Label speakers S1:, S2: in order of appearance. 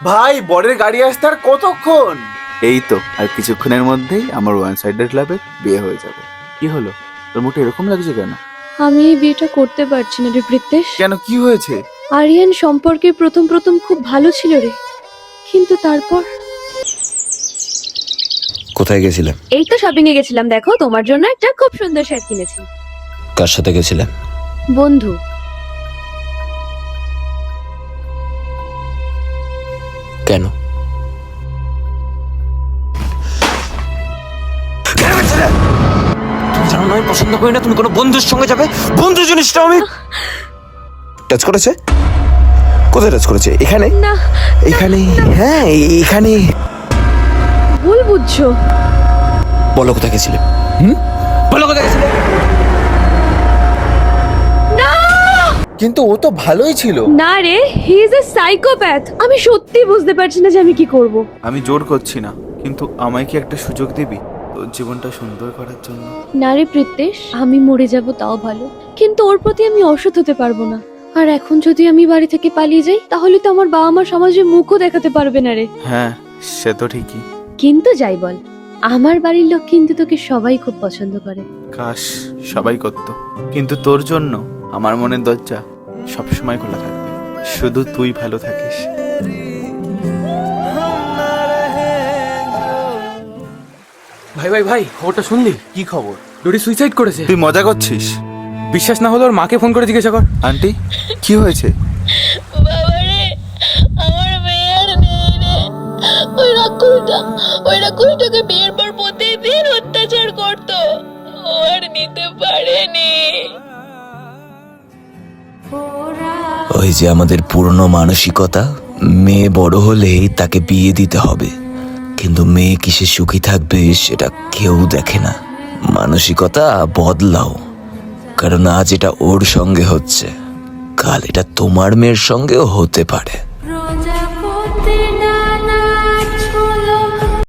S1: ভাই বরের গাড়ি আসতে আর কতক্ষণ? এই তো আর কিছুক্ষণের মধ্যেই আমার ওয়ান সাইডেড ক্লাবে বিয়ে হয়ে যাবে। কি হলো, তোর মুখটা এরকম লাগছে কেন?
S2: আমি এই বিয়েটা করতে পারছি না রে প্রীতেশ।
S1: কেন, কি হয়েছে?
S2: আরিয়ান সম্পর্কে প্রথম প্রথম খুব ভালো ছিল রে, কিন্তু তারপর
S3: কোথায় গেছিলে?
S2: এই তো শপিং এ গেছিলাম, দেখো তোমার জন্য একটা খুব সুন্দর শার্ট কিনেছি।
S3: কার সাথে গেছিলে?
S2: বন্ধু।
S3: কেন? তুমি জানো না আমি পছন্দ করি না তুমি কোনো বন্ধুর সঙ্গে যাবে। বন্ধু জিনিসটা আমি টাচ করেছে? কোথায় টাচ করেছে? এখানে?
S2: না,
S3: এখানে? হ্যাঁ এখানে।
S2: ভুল বুঝছো।
S3: বলো কোথায় গেছিলে? বলো কোথায় গেছিলে?
S2: না
S1: কিন্তু ও তো ভালোই ছিল।
S2: না রে, হি ইজ এ সাইকোপ্যাথ। আমি সত্যি বুঝতে পারছি না যে আমি কি করব।
S1: আমি জোর করছি না, কিন্তু আমায় কি একটা সুযোগ দিবি তোর জীবনটা সুন্দর করার জন্য?
S2: না রে প্রীতেশ, আমি মরে যাব তাও ভালো, কিন্তু ওর প্রতি আমি অসৎ হতে পারবো না। আর এখন যদি আমি বাড়ি থেকে পালিয়ে যাই, তাহলে তো আমার বাবা মা সমাজে মুখও দেখাতে পারবে না রে।
S1: হ্যাঁ, সে তো ঠিকই।
S2: কিন্তু যাই বল, আমার বাড়ির লোক কিন্তু তোকে সবাই খুব পছন্দ করে।
S1: কাশ সবাই করতো, কিন্তু তোর জন্য আমার মনের দরজা সবসময় খোলা থাকবে। শুধু তুই ভালো থাকিস।
S4: ভাই ভাই ভাই, খবরটা শুনলি?
S1: কি খবর?
S4: ডোরি সুইসাইড করেছে।
S1: তুই মজা করছিস?
S4: বিশ্বাস না হলে ওর মাকে ফোন করে জিজ্ঞাসা কর।
S1: আন্টি, কি হয়েছে?
S5: বাবারে, আমার মেয়ে আর নেই রে। ওই রাক্ষসটাকে বিয়ের পর প্রতিদিন অত্যাচার করতো, ও আর নিতে পারেনি।
S3: ওই যে আমাদের পুরনো মানসিকতা, মেয়ে বড় হলেই তাকে বিয়ে দিতে হবে, কিন্তু মেয়ে কিসে সুখী থাকবে সেটা কেউ দেখে না। মানসিকতা বদলাও, কারণ আজ এটা ওর সঙ্গে হচ্ছে, কাল এটা তোমার মেয়ের সঙ্গেও হতে পারে।